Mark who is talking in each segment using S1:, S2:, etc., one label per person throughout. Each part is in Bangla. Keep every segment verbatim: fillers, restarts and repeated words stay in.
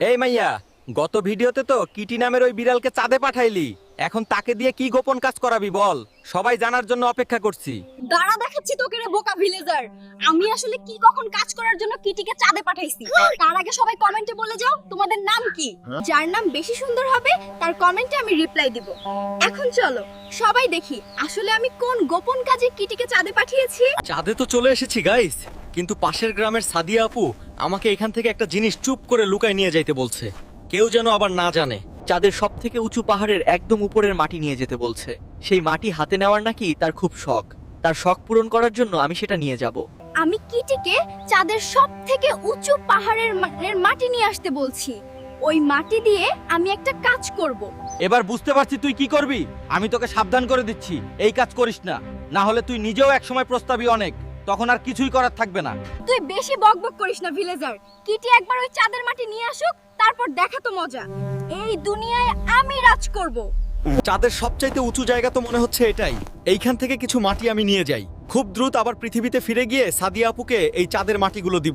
S1: এই মাইয়া, গত ভিডিওতে তো কিটি নামের ওই বিড়ালকে চাঁদে পাঠাইলি। এখন তাকে দিয়ে কি গোপন কাজ করাবি বল? সবাই জানার জন্য অপেক্ষা করছি।
S2: দাঁড়া দেখাচ্ছি তোকে রে বোকা ভিলেজার। আমি আসলে কি কখন কাজ করার জন্য কিটিকে চাঁদে পাঠাইছি। তার আগে সবাই কমেন্টে বলে যাও তোমাদের নাম কি। যার নাম বেশি সুন্দর হবে তার কমেন্টে আমি রিপ্লাই দিব। এখন চলো সবাই দেখি আসলে আমি কোন গোপন কাজে কিটিকে চাঁদে পাঠিয়েছি।
S1: চাঁদে তো চলে এসেছি গাইস, কিন্তু পাশের গ্রামের সাদিয়া আপু আমাকে এখান থেকে একটা জিনিস চুপ করে লুকায় নিয়ে যাইতে বলছে। কেউ যেন আবার না জানে।
S3: চাঁদের সব থেকে উঁচু পাহাড়ের একদম উপরের মাটি নিয়ে যেতে বলছে। সেই মাটি হাতে নেওয়ার নাকি তার খুব শখ। তার শখ পূরণ করার জন্য আমি সেটা নিয়ে যাব।
S2: আমি কিটিকে চাঁদের সব থেকে উঁচু পাহাড়ের মা- এর মাটি নিয়ে আসতে বলছি। ওই মাটি দিয়ে আমি একটা কাজ করব।
S1: এবার বুঝতে পারছি তুই কি করবি। আমি তোকে সাবধান করে দিচ্ছি, এই কাজ করিস না, না হলে তুই নিজেও একসময় প্রস্তাবি অনেক, তখন আর কিছুই করার থাকবে না।
S2: তুই বেশি বকবক করিস না ভিলেজার। কিটি একবার ওই চাঁদের মাটি নিয়ে আসুক, তারপর দেখা তো মজা। এই দুনিয়ায় আমি রাজ করব।
S1: চাঁদের সবচাইতে উঁচু জায়গা তো মনে হচ্ছে এটাই। এইখান থেকে কিছু মাটি আমি নিয়ে যাই, খুব দ্রুত আবার পৃথিবীতে ফিরে গিয়ে সাদিয়া আপুকে এই চাঁদের মাটিগুলো দিব।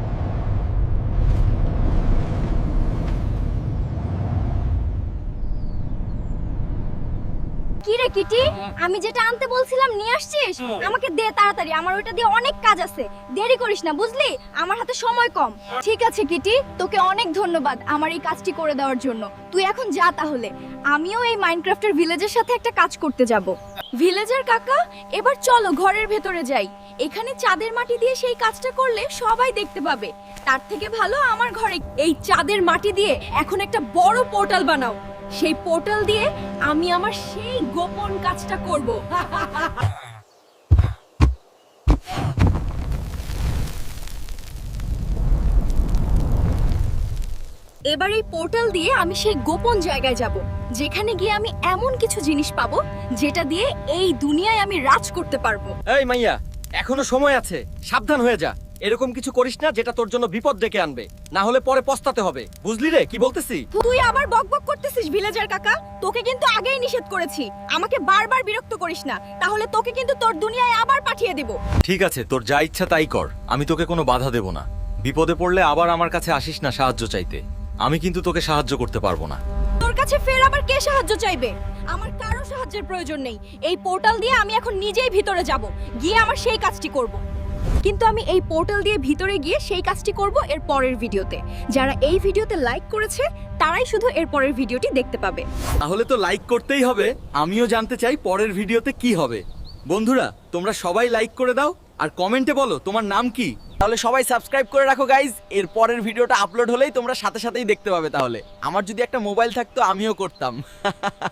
S2: কি রে কিটি, আমি যেটা আনতে বলছিলাম নিয়ে আসছিস? আমাকে দে তাড়াতাড়ি, আমার ওইটা দিয়ে অনেক কাজ আছে। দেরি করিস না বুঝলি, আমার হাতে সময় কম। ঠিক আছে কিটি, তোকে অনেক ধন্যবাদ আমার এই কাজটি করে দেওয়ার জন্য। তুই এখন যা তাহলে, আমিও এই মাইনক্রাফটের ভিলেজের সাথে একটা কাজ করতে যাব। ভিলেজার কাকা, এবার চলো ঘরের ভেতরে যাই। এখানে চাঁদের মাটি দিয়ে সেই কাজটা করলে সবাই দেখতে পাবে। তার থেকে ভালো আমার ঘরে এই চাঁদের মাটি দিয়ে এখন একটা বড় পোর্টাল বানাও। সেই পোর্টাল দিয়ে আমি আমার সেই গোপন কাজটা করব। এবার এই পোর্টাল দিয়ে আমি সেই গোপন জায়গায় যাব, যেখানে গিয়ে আমি এমন কিছু জিনিস পাবো যেটা দিয়ে এই দুনিয়ায় আমি রাজ করতে পারবো।
S1: এই মাইয়া, এখনো সময় আছে, সাবধান হয়ে যা। এরকম কিছু করিস না যেটা তোর জন্য বিপদ ডেকে আনবে, না হলে পরে পস্তাতে হবে। বুঝলি রে কি বলতেছি?
S2: তুই আবার বকবক করতেছিস ভিলেজার কাকা। তোকে কিন্তু আগেই নিষেধ করেছি, আমাকে বারবার বিরক্ত করিস না, তাহলে তোকে কিন্তু তোর দুনিয়ায় আবার পাঠিয়ে দেব।
S1: ঠিক আছে, তোর যা ইচ্ছা তাই কর, আমি তোকে কোনো বাধা দেব না। বিপদে পড়লে আবার আমার কাছে আসিস না সাহায্য চাইতে, আমি কিন্তু তোকে সাহায্য করতে পারবো না।
S2: তোর কাছে ফের আবার কে সাহায্য চাইবে? আমার কারো সাহায্যের প্রয়োজন নেই। এই পোর্টাল দিয়ে আমি এখন নিজেই ভিতরে যাব, গিয়ে আমার সেই কাজটি করব। কিন্তু আমি এই পোর্টাল দিয়ে ভিতরে গিয়ে সেই কাজটি করব এর পরের ভিডিওতে। যারা এই ভিডিওতে লাইক করেছে তারাই শুধু এর পরের ভিডিওটি দেখতে পাবে।
S1: তাহলে তো লাইক করতেই হবে। আমিও জানতে চাই পরের ভিডিওতে কি হবে। বন্ধুরা, তোমরা সবাই লাইক করে দাও আর কমেন্টে বলো তোমার নাম কি।
S3: তাহলে সবাই সাবস্ক্রাইব করে রাখো গাইজ। এর পরের ভিডিওটা আপলোড হলেই তোমরা সাথে সাথেই দেখতে পাবে। তাহলে আমার যদি একটা মোবাইল থাকতো আমিও করতাম।